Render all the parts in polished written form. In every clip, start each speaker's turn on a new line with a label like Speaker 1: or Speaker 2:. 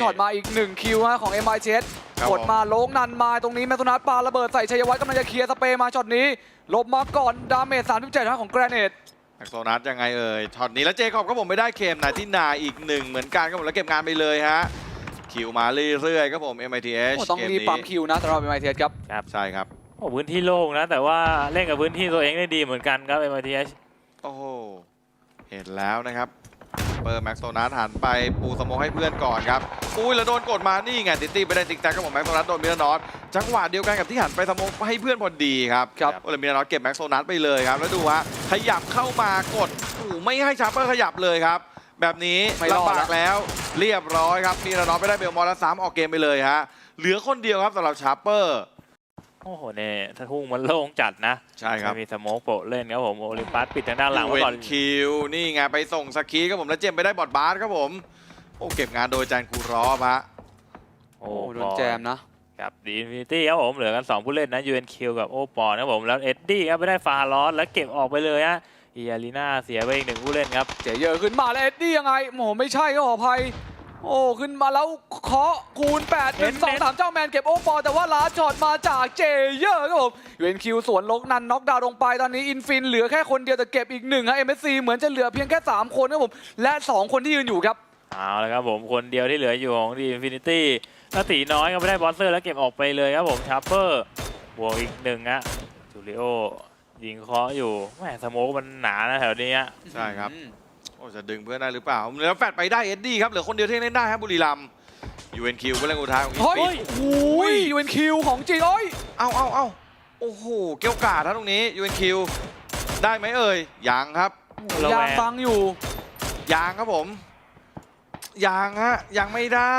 Speaker 1: ช็อตมาอีก1คิวของ MITS
Speaker 2: ครับ
Speaker 1: กดมาโลงนันมาตรงนี้แมตโตนัสปาระเบิดใส่ชัยวัฒน์กำลังจะเคลียร์สเปรย์มาช็อตนี้หลบมาก่อนดาเมจ37ของแกรเนต
Speaker 2: แม็กโซนัสยังไงเอ่ยช็อตนี้แล้วเจคอบก็ผมไม่ได้เคมนาที่นาอีกหนึ่งเหมือนกันครับผมแล้วเก็บงานไปเลยฮะคิวมาเรื่อยๆครับผม MITH
Speaker 1: โอ้ต้องรีบปั๊มคิวนะสำหรับ MITS ครับ
Speaker 2: ใช่ครับ
Speaker 3: โอ้พื้นที่โล่งนะแต่ว่าเล่นกับพื้นที่ตัวเองได้ดีเหมือนกันครับ MITH
Speaker 2: โอ้โหเห็นแล้วนะครับเปิดแม็กโซนัสหันไปปูสโมกให้เพื่อนก่อนครับอุ้ยแล้วโดนกดมานี่ไงติตี้ไปได้ติ๊กแท็กครับผมแม็กโซนัสโดนมิลานอสจังหวะเดียวกันกับที่หันไปสโมกให้เพื่อนพอดีครับโอ้เลยมิลานอสเก็บแม็กโซนัสไปเลยครับแล้วดูฮะขยับเข้ามากดโอ้ไม่ให้ชาร์เปอร์ขยับเลยครับแบบนี้ลำบากแล้วเรียบร้อยครับมิลานอสไปได้เบลมอร์แล้ว3ออกเกมไปเลยฮะเหลือคนเดียวครับสำหรับชาร์เปอร์
Speaker 3: โอ้โหเนี่ยถ้าทุ่งมันโล่งจัดนะ
Speaker 2: ใช่ครับ
Speaker 3: มีสโมกโปะเล่นครับผมโอลิมปัสปิดทางด้านหลังไว้ก่อน
Speaker 2: คิวนี่ไงไปส่งสกีครับผมแล้วเจมไปได้บอดบาสครับผมโอ้เก็บงานโดยจานคูรอฟฮะ
Speaker 1: โอ้โดนแจมนะครับ
Speaker 3: ดีอินฟินิตี้ครับผมเหลือกัน2ผู้เล่นนะ UNQ กับโอปอนครับผมแล้วเอ็ดดี้ครับไม่ได้ฟาลอสแล้วเก็บออกไปเลยฮะอีอารีนาเสียไปอีก1ผู้เล่นครับ
Speaker 1: เจเยอร์ขึ้นมาแล้วเอ็ดดี้ยังไงโอ้ไม่ใช่ก็ขออภัยโอ้ขึ้นมาแล้วเคาะคูณ8 1 2 3เจ้าแมนเก็บโอปอแต่ว่าลาช็อตมาจากเจเยอร์ครับผมUNQสวนลกนันน็อกดาวน์ลงไปตอนนี้อินฟินเหลือแค่คนเดียวแต่เก็บอีก1ฮะ MSC เหมือนจะเหลือเพียงแค่3คนครับผมและ2คนที่ยืนอยู่ครับ
Speaker 3: เอาละครับผมคนเดียวที่เหลืออยู่ของดีอินฟินิตี้แล้วตีน้อยก็ไม่ได้บอสเซอร์แล้วเก็บออกไปเลยครับผมชาร์เปอร์บวกอีก1ฮะจูริโอยิงเคาะอยู่แหมสโมกมันหนานะแถวนี้
Speaker 2: ใช่ครับโอ้จะดึงเพื่อนได้หรือเปล่าแล้วแฟดไปได้เอ็ดดี้ครับเหลือคนเดียวที่เล่นได้ครับบุรีรัมย์ UNQ ก็เล่นอุทัยของอินฟิน
Speaker 1: โอ้ย UNQ ของจริงโอ้ย
Speaker 2: เอาโอ้โหเกี่ยวกาดนะตรงนี้ UNQ ได้ไหมเอ่ยยังครับ
Speaker 1: ยางฟังอยู่
Speaker 2: ยางครับผมยังฮะยังไม่ได้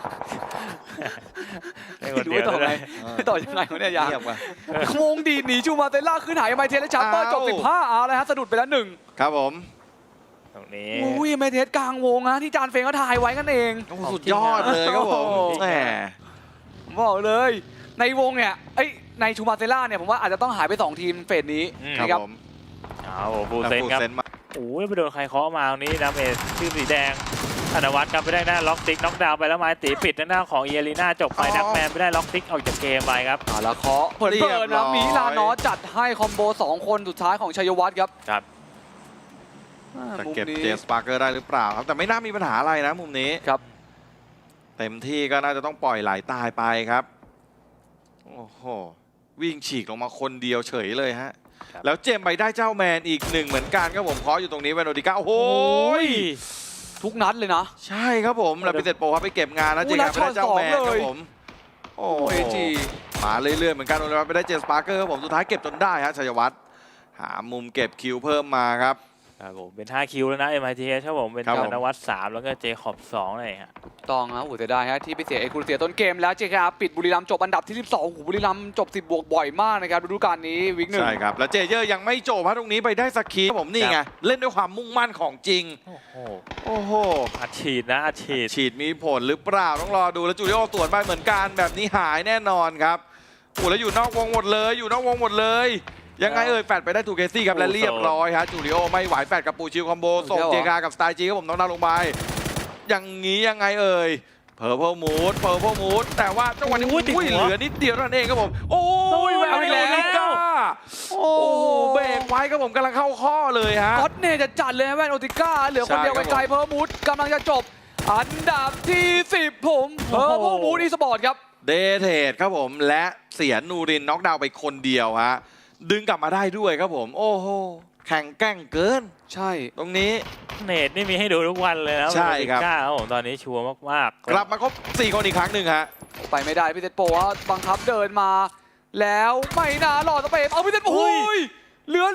Speaker 1: ดูต่อไงต่อยังไงวะเนี่ยยางงงดีหนีจูมาเตล่าขึ้นหายไมเทสและชาร์เปอร์จบ15เอาเลยฮะสะดุดไปแล้ว1
Speaker 2: ครับผม
Speaker 3: ตรงนี้
Speaker 1: อุ้ยไมเทสกลางวงนะที่จานเฟงก็ถ่ายไว้กันเอง
Speaker 2: สุดยอดเลยครับผมแหม
Speaker 1: บอกเลยในวงเนี่ยในชูมาเตล่าเนี่ยผมว่าอาจจะต้องหายไป2ทีมเฟสนี้
Speaker 2: ครับผม
Speaker 3: เอาฟูเซนครับโอ้ยไปโดนใครเคาะมาตรงนี้ดาเมจชื่อสีแดงธนวัฒน์ครับไปได้หน้าล็อกติ๊กน็อกดาวน์ไปแล้วไม้ตีปิดหน้าของเอลีน่าจบไปดักแมนไปได้ล็อกติ๊กออกจากเกมไปครับ
Speaker 1: แล้วเคาะเปิดนะมีลานอจัดให้คอมโบ2คนสุดท้ายของชัยวัฒน์ครับ
Speaker 2: จะเก็บเจมส์ปาร์เกอร์ได้หรือเปล่าครับแต่ไม่น่ามีปัญหาอะไรนะมุมนี้
Speaker 1: ครับ
Speaker 2: เต็มที่ก็น่าจะต้องปล่อยไหลตายไปครับโอ้โหวิ่งฉีกลงมาคนเดียวเฉยเลยฮะแล้วเจมไปได้เจ้าแมนอีก1เหมือนกันครับผมเคาะอยู่ตรงนี้เวโนดิก้าโอ้โห
Speaker 1: ทุกนัดเลยนะ
Speaker 2: ใช่ครับผมแล้วพิเศษโปรครับไปเก็บงานนะเจมไปได้เจ้าแมนครับผมโอ้เอจีมาเรื่อยๆเหมือนกันโดนไปได้เจมส์ปาร์เกอร์ครับผมสุดท้ายเก็บจนได้ฮะชัยวัฒน์หามุมเก็บคิวเพิ่มมาครับ
Speaker 3: ผมเป็น5คิวแล้วนะ MITH ครับผมเป็นธนวัฒน์3แล้วก็เจคอบ2เลยฮะ
Speaker 1: ต้องนะแต่ได้ฮะที่ไปเสียคูเสียต้นเกมแล้วเจคปิดบุรีรัมย์จบอันดับที่12บุรีรัมย์จบ10บวกบ่อยมากนะครับฤดูกาลนี้วิก1
Speaker 2: ใช่ครับแล้วเจเยอร์ยังไม่จบตรงนี้ไปได้สักคีผมนี่ไงเล่นด้วยความมุ่งมั่นของจริงโอ้โห
Speaker 3: อัดฉีดนะอัด
Speaker 2: ฉีดมีผลหรือเปล่าต้องรอดูแล้วจูริโอตรวจไปเหมือนกันแบบนี้หายแน่นอนครับโอ้แล้วอยู่นอกวงหมดเลยยังไงแฟดไปได้ทูเกซี่ครับและเรียบร้อยฮะจูริโอไม่ไหวแฟดกับปูชิลคอมโบส่งเจคากับสไตล์จีครับผมน้องดาวลงไปอย่างนี้ยังไงเพอร์เพลมูดแต่ว่าจังหวะนี้เหลือนิดเดียวเท่านั้นเองครับผมโอ้ยแววอีกแล้วโอ้เบรกไว้ครับผมกำลังเข้าข้อเลยฮะ
Speaker 1: ก็อตเน่จะจัดเลยแวนโอติก้าเหลือคนเดียวไกลเพอร์มูดกำลังจะจบอันดับที่10ผมเพอร์มูดอีสปอร์ตครับ
Speaker 2: เดเทดครับผมและเสียนูรินน็อกดาวน์ไปคนเดียวฮะดึงกลับมาได้ด้วยครับผมโอ้โหแข่งแกล้งเกิน
Speaker 1: ใช่
Speaker 2: ตรงนี้
Speaker 3: เนตนี่มีให้ดูทุกวันเลยนะ
Speaker 2: ใช่ครับ
Speaker 3: ผมตอนนี้ชัวร์มาก
Speaker 2: ๆกลับมาครบ4คนอีกครั้งหนึ่งฮะ
Speaker 1: ไปไม่ได้พี่เซตโปว่าบังคับเดินมาแล้วไม่น่าหลอดสเปรย์เอาพี่เซตโอ้ยเหลือ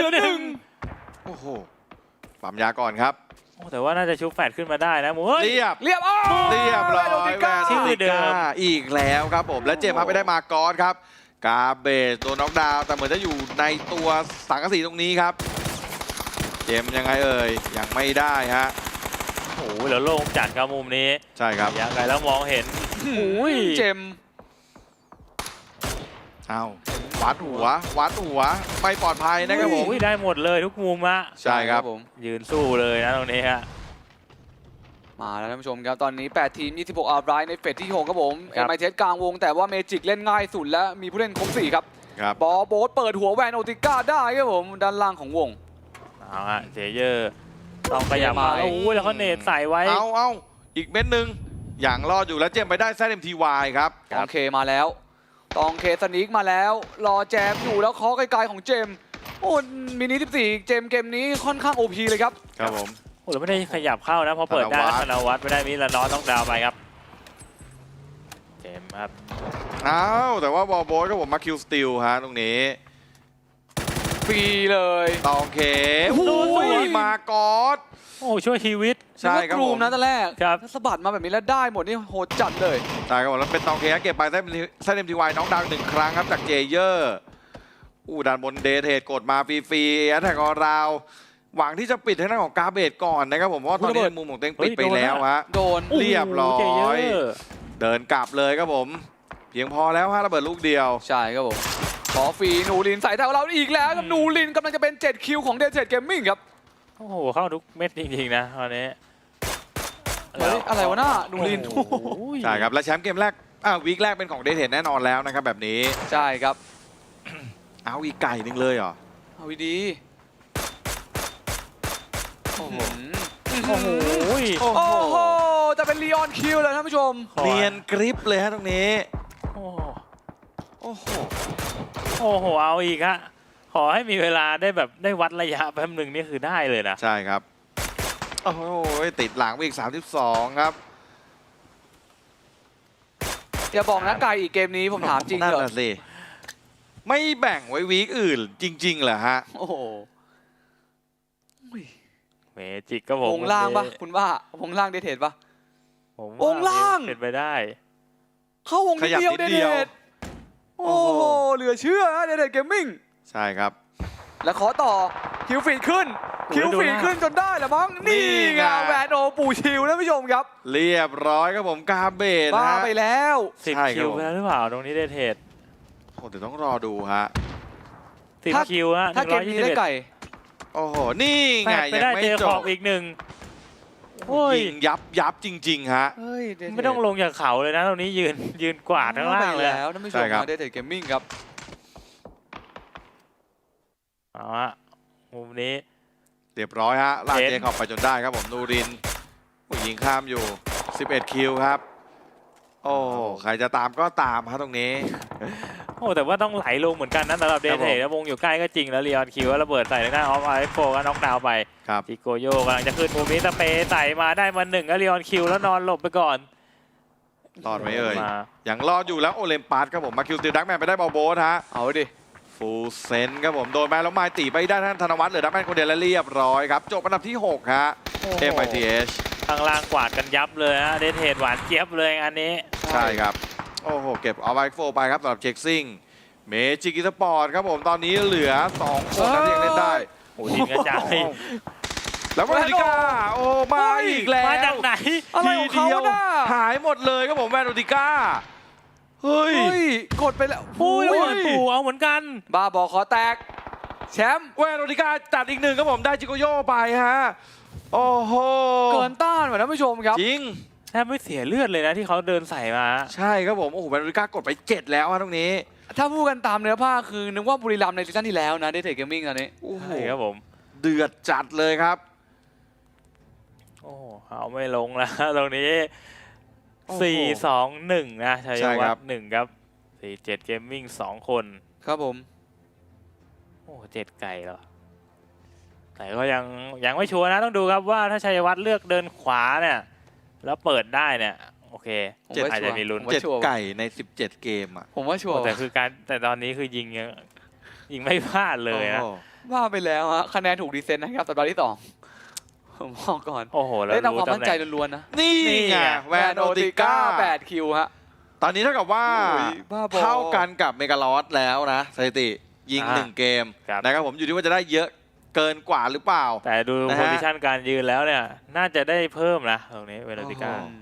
Speaker 1: 1
Speaker 2: โอ้โหปั๊มยาก่อนครับ
Speaker 3: แต่ว่าน่าจะชุบแฟดขึ้นมาได้นะ
Speaker 2: เรียบร้อยแวนโอติก้าอีกแล้วครับผมและเจมส์ไปได้มากอสครับกาเบสตัวน็อกดาวน์แต่เหมือนจะอยู่ในตัวสังกะสีตรงนี้ครับเจมยังไงยังไม่ได้ฮะ
Speaker 3: โอ้โหแล้วโล่งจัดครับมุมนี้
Speaker 2: ใช่ครับ
Speaker 3: ยังไงแล้วมองเห็น
Speaker 1: เจม
Speaker 2: เอาวัดหัวไม่ปลอดภัยนะครับผม
Speaker 3: ได้หมดเลยทุกมุมอะ
Speaker 2: ใช่ครับ
Speaker 3: ผมยืนสู้เลยนะตรงนี้ฮะ
Speaker 1: มาแล้วท่านผู้ชมครับตอนนี้8ทีม26 อาร์ไบรท์ในเฟสที่6ครับผม
Speaker 3: ครับ
Speaker 1: MIT กลางวงแต่ว่าเมจิกเล่นง่ายสุดและมีผู้เล่นครบ4ครับ
Speaker 2: ครับ
Speaker 1: บอลโบ๊ทเปิดหัวแวนโอติก้าได้ครับผมด้านล่างของวง
Speaker 3: เอาฮะเจเยอร์ต้องขยับมา
Speaker 1: เจมา
Speaker 3: โอ้ยแล้วเขาเนตใส่ไว้
Speaker 2: เอาอีกเม็ดหนึ่งอย่างรอดอยู่แล้วเจมไปได้แซด MTY ครับ
Speaker 1: ตองเคมาแล้วตองเคสนิกมาแล้วรอแจมอยู่แล้วเคาะไกลๆของเจมส์โอ้มินิ14เจมส์เกมนี้ค่อนข้าง OP เลยครับ
Speaker 2: ครับผม
Speaker 3: โอ้แล้วไม่ได้ขยับเข้านะพอเปิดได้
Speaker 2: ธนวัฒน์
Speaker 3: ธนวัฒน์ไม่ได้มิลานอสต้องดาวไปครับเจมส์ครับ
Speaker 2: อ้าวแต่ว่าบอลโบสก็ผมมาคิวสติลฮะตรงนี้
Speaker 1: ฟรีเลย
Speaker 2: ตองเค
Speaker 1: โอ้โห
Speaker 2: มากอด
Speaker 3: โอ้ช่วยชีวิต
Speaker 2: ใช่ครับ
Speaker 1: นึกว่า
Speaker 2: ผ
Speaker 1: ก
Speaker 2: ม
Speaker 1: มนะตอนแรก
Speaker 3: ครับ
Speaker 1: ถ้าสะบัดมาแบบนี้แล้วได้หมดนี่โหดจัดเลย
Speaker 2: ใช่ครับผมแล้วเป็นตองเคเก็บไปแซด MTY น้องดัง1 ครั้งครับจากเจเยอร์ด้านบนเดทเทดกดมาฟรีๆแอตแทกออราวหวังที่จะปิดทางด้านของกาเบตก่อนนะครับผมเพราะว่าตอนนี้มุมของเต็งปิดไปแล้วฮะ
Speaker 1: โดน
Speaker 2: เรียบร้อย
Speaker 3: เจเยอร์
Speaker 2: เดินกลับเลยครับผม เพียงพอแล้วฮะระเบิดลูกเดียว
Speaker 1: ใช่ครับผมขอฟรีนูรินใส่แถวเราอีกแล้วครับนูรินกำลังจะเป็น7คิวของเดนเซดเกมมิ่งครับ
Speaker 3: โอ้โหเข้าทุกเม็ดจริงๆนะตอนนี้
Speaker 1: เฮ้ยอะไรวะหน้านูริน
Speaker 3: โอ้โห
Speaker 2: ใช่ครับและแชมป์เกมแรกวีคแรกเป็นของเดทเทดแน่นอนแล้วนะครับแบบนี้
Speaker 1: ใช่ครับ
Speaker 2: เอาอีกไก่หนึ่งเลยเหรอ
Speaker 1: เอาดีโอ้โห
Speaker 3: โอ้โห
Speaker 1: โอ้โหจะเป็นลีออนคิวเลยท่านผู้ชม
Speaker 2: เนียนกริปเลยฮะตรงนี้
Speaker 3: โอ้โห
Speaker 2: โอ้โห
Speaker 3: โอ้โหเอาอีกฮะขอให้มีเวลาได้แบบได้วัดระยะแป๊บหนึ่งนี่คือได้เลยนะ
Speaker 2: ใช่ครับโอ้โหติดหลังไปอีก32ครับ
Speaker 1: อย่าบอกนะไก่อีกเกมนี้ผมถามจริง
Speaker 2: นั่น
Speaker 1: เหรอ
Speaker 2: แหละสิไม่แบ่งไว้วีคอื่นจริงๆเหรอฮะ
Speaker 1: โอ้โห
Speaker 3: เมจิกก็ผม
Speaker 1: วงล่างปะคุณว่าวงล่างเดทเทดปะ
Speaker 3: ผม
Speaker 1: วงล่าง
Speaker 3: เป็นไปได้
Speaker 1: เข้าวงนิดเดียวเดทเทดโอ้โหเหลือเชื่อเดทเทดเกมมิ่ง
Speaker 2: ใช่ครับ
Speaker 1: แล้วขอต่อคิวฟีดขึ้นคิวฟีดขึ้นจนได้แหละมั้งนี่ไงแวนโอปูชิวท่านผู้ชมครับ
Speaker 2: เรียบร้อยครับผมกาเบต
Speaker 1: บ้า
Speaker 2: ฮะ
Speaker 1: ไปแล้ว
Speaker 3: สิบ
Speaker 2: ใช่ครับ
Speaker 3: คิวไปแล้วหรือเปล่าตรงนี้ได้เทรด
Speaker 2: โอ้เดี๋ยวต้องรอดูฮะ
Speaker 3: สิบคิวฮะ
Speaker 1: ถ้าเกมนี้ได้ไก่
Speaker 2: โอ้โห นี่
Speaker 3: แป
Speaker 2: ไง
Speaker 3: ดไป
Speaker 2: ยัง
Speaker 3: ได้
Speaker 2: ไม่
Speaker 3: เจอ
Speaker 2: จ
Speaker 3: ขอบบ อีกหนึ่งโอ้ย
Speaker 2: ยิงยับจริง ๆ ฮะ
Speaker 1: เฮ้ย
Speaker 3: ไม่ต้องลงจากเขาเลยนะตรงนี้ยืนกวาดข้างล่างเลย
Speaker 1: แล้วท่านผู้ช
Speaker 2: ใช่
Speaker 1: ม
Speaker 2: ครับ
Speaker 1: เดทเทดเกมมิ่งครับ
Speaker 3: เอาฮะมุมนี้
Speaker 2: เรียบร้อยฮะลาก
Speaker 3: เห็น
Speaker 2: เจขอบไปจนได้ครับผมนูรินยิงข้ามอยู่ 11 คิวครับ โอ้ใครจะตามก็ตามฮะตรงนี้
Speaker 3: โอ้แต่ว่าต้องไหลลงเหมือนกันนะสำหรับเด
Speaker 2: ครับ
Speaker 3: ท
Speaker 2: ผม
Speaker 3: เทแล้ววงอยู่ใกล้ก็จริงแล้วเรียนคิวแล้วระเบิดใส่ทางด้านออฟไอโฟก็น็อกดาวน์ไป
Speaker 2: ครับ
Speaker 3: จิโกโยกำลังจะขึ้นมุมนี้สเปย์ใส่มาได้มาหนึ่งแล้วเรียนคิวแล้วนอนหลบไปก่อน
Speaker 2: รอดไหมเอ่ย
Speaker 3: มา
Speaker 2: อย่างรอดอยู่แล้วโอเลมปัสครับผมมาคิวสติลดักแมนไปได้บอลโบสฮะ
Speaker 1: เอาดิ
Speaker 2: ฟูลเซนครับผมโดนไปแล้วไม้ตีไปได้ท่านธนวัฒน์เหลือดักแมนคนเดียวและเรียบร้อยครับจบอันดับที่ 6 ฮะ MITH
Speaker 3: ข้างล่างกวาดกันยับเลยฮะเดทเทหวานเจี๊ยบเลยอันนี้
Speaker 2: ใช่ครับ โอ้โห เก็บเอาไวโฟไปครับสำหรับเช็คซิ่งเมจิกิสปอร์ตครับผมตอนนี้เหลือ 2 คนนะที่ยังเล่นได้
Speaker 3: โอ้ยิงกระจาย
Speaker 2: แล้วแวนโอติก้าโอ้มาอีกแล้ว
Speaker 3: มาจากไหน
Speaker 1: อะไรของเขา
Speaker 2: ทีดียว
Speaker 1: น่ะ
Speaker 2: หายหมดเลยครับผมแวนโอติก้าเฮ้ย
Speaker 1: เฮ้ยกดไปแล้ว
Speaker 3: อุ้ย
Speaker 1: โอ้
Speaker 3: เปิดปู่เอาเหมือนกัน
Speaker 1: บ้าบอขอแตกแชมป์
Speaker 2: แวนโอติก้าจัดอีกหนึ่งครับผมได้จิโกโยไปฮะโอ้โห
Speaker 1: เกินต้านว่ะท่านผู้ชมครับ
Speaker 2: จริง
Speaker 3: แทบไม่เสียเลือดเลยนะที่เขาเดินใส่มา
Speaker 2: ใช่ครับผมโอ้โหแวนโอติก้ากดไป 7 แล้วฮะตรงนี้
Speaker 1: ถ้าพูดกันตามเนื้อผ้าคือนึกว่าบุรีรัมย์ในซีซั่นที่แล้วนะเดทเทดเกมมิ่งตอนนี้
Speaker 2: โอ้โห
Speaker 3: ใช่ครับผม
Speaker 2: เดือดจัดเลยครับ
Speaker 3: โอ้เอาไม่ลงแล้วตรงนี้
Speaker 2: โอ้โห
Speaker 3: 4-2-1 นะชัย
Speaker 2: ใช่ค
Speaker 3: วั
Speaker 2: รั
Speaker 3: ฒ
Speaker 2: บ
Speaker 3: น์1ครับ47เกมมิ่ง2 คน
Speaker 1: ครับผม
Speaker 3: โอ้7 ไก่เหรอแต่ก็ยังไม่ชัวร์นะต้องดูครับว่าถ้าชัยวัฒน์เลือกเดินขวาเนี่ย แล้วเปิดได้เนี่ย โอเค
Speaker 1: ผมว่า
Speaker 3: อาจจะมีลุ้น
Speaker 1: ผมว่า
Speaker 2: 7 ไก่ใน 17 เกมอ่ะ
Speaker 1: ผมว่าชัวร์
Speaker 3: แต่ตอนนี้คือยิงไม่พลาดเลยนะ
Speaker 2: โอ้โห
Speaker 1: ว่าไปแล้วฮะคะแนนถูกดีเซนต์นะครับสัปดาห์ที่ 2 ผมบอกก่อน
Speaker 3: โอ้โหแล้ว
Speaker 1: ได้ตาม
Speaker 3: รู้
Speaker 1: ความมั่นใจ
Speaker 3: ตำแหน่ง
Speaker 1: ล้วนๆนะ
Speaker 2: นี่ไงแวนโอติก้า
Speaker 1: 8 คิวฮะ
Speaker 2: ตอนนี้เท่ากับว่า
Speaker 1: โอ้ยบ้าบอ
Speaker 2: เท่ากันกับเมกาลอสแล้วนะสถิติยิง
Speaker 3: อ่า
Speaker 2: 1 เกม
Speaker 3: ครับ
Speaker 2: นะครับผมอยู่ที่ว่าจะได้เยอะเกินกว่าหรือเปล่า
Speaker 3: แต่ดู
Speaker 2: นะ
Speaker 3: โพ
Speaker 2: ฮะ
Speaker 3: ซิชันการยืนแล้วเนี่ย น่าจะได้เพิ่มนะตรงนี้เวโรติก้า
Speaker 2: โอ้โห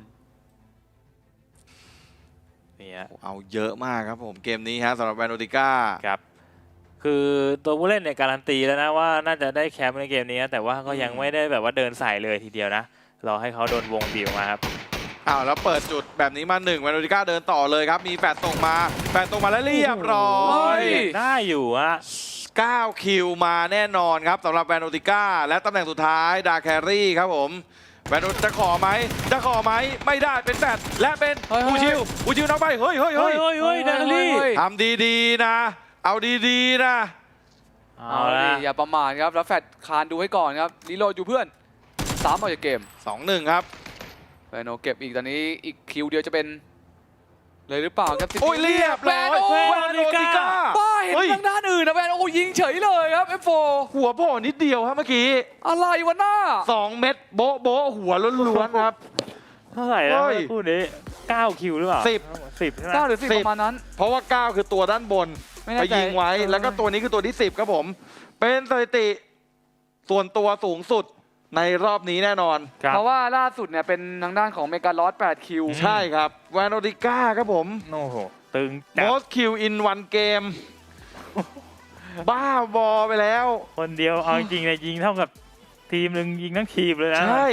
Speaker 3: นี่ฮะ
Speaker 2: เอาเยอะมากครับผมเกมนี้ฮะสำหรับแวนโอติก้า
Speaker 3: ครับ คือตัวผู้เล่นเนี่ยการันตีแล้วนะว่าน่าจะได้แชมป์ในเกมนี้นะแต่ว่าก็ยังไม่ได้แบบว่าเดินสายเลยทีเดียวนะรอให้เขาโดนวงบีบออกมาครับ
Speaker 2: อ้าวแล้วเปิดจุดแบบนี้มา1 แวนโอติก้าเดินต่อเลยครับมีแฟดส่งมาแล้วเรียบร้อ
Speaker 1: โอ้
Speaker 2: ย
Speaker 1: ย
Speaker 3: ได้อยู่ฮะ
Speaker 2: 9 คิวมาแน่นอนครับสำหรับแวนโอติก้าและตำแหน่งสุดท้ายดาแครี่ครับผมแวนโอจะขอไหมไม่ได้เป็นแฟดและเป็น
Speaker 1: เฮ้ย
Speaker 2: อูชิวน็อกไปเฮ้ย
Speaker 3: เฮ้ยเดนลี่
Speaker 2: ทำดีๆนะเอาดีๆนะ
Speaker 3: เอาละ
Speaker 1: ดิอย่าประมาทครับแล้วแฟดคานดูให้ก่อนครับรีโหลดอยู่เพื่อน3ออกจากเกม
Speaker 2: 2-1 ครับ
Speaker 1: แวนโอเก็บอีกตอนนี้อีกคิวเดียวจะเป็นเลยหรือเปล่าครับ
Speaker 2: โอ้ยเรียบร้อย
Speaker 1: แวนโอ
Speaker 2: แวนโอติก้า
Speaker 1: ป้าเห็น
Speaker 2: เฮ้ย
Speaker 1: ทางด้านอื่นนะแวนโอยิงเฉยเลยครับ F4
Speaker 2: หัวโผล่นิดเดียวครับเมื่อกี้
Speaker 1: อะไรวะหน้า
Speaker 2: 2 เม็ดโบ๊ะโบ๊ะหัวล้วนๆครับ
Speaker 3: เท่าไหร่แล้ว
Speaker 2: เฮ้ย
Speaker 3: คู่นี้9คิวหรือเปล่า 10ใช่ไหม
Speaker 1: 9 หรือ 10 ประมาณนั้น
Speaker 2: เพราะว่า 9 คือตัวด้านบน
Speaker 1: ไม่แน่
Speaker 2: ไป
Speaker 1: ใจ
Speaker 2: ยิงไว้แล้วก็ตัวนี้คือตัวที่ 10 ครับผม เป็นสถิติส่วนตัวสูงสุดในรอบนี้แน่นอน
Speaker 3: ครับ
Speaker 1: เพราะว่าล่าสุดเนี่ยเป็นทางด้านของเมกาลอส8คิว
Speaker 2: ใช่ครับแวนโอติก้าครับผม
Speaker 3: โอ้โหตึงจัด
Speaker 2: most kill in one game บ้าบอไปแล้ว
Speaker 3: คนเดียวเอาจริงๆเลยยิงเท่ากับทีมหนึ่งยิงทั้งทีมเลยนะ
Speaker 2: ใช่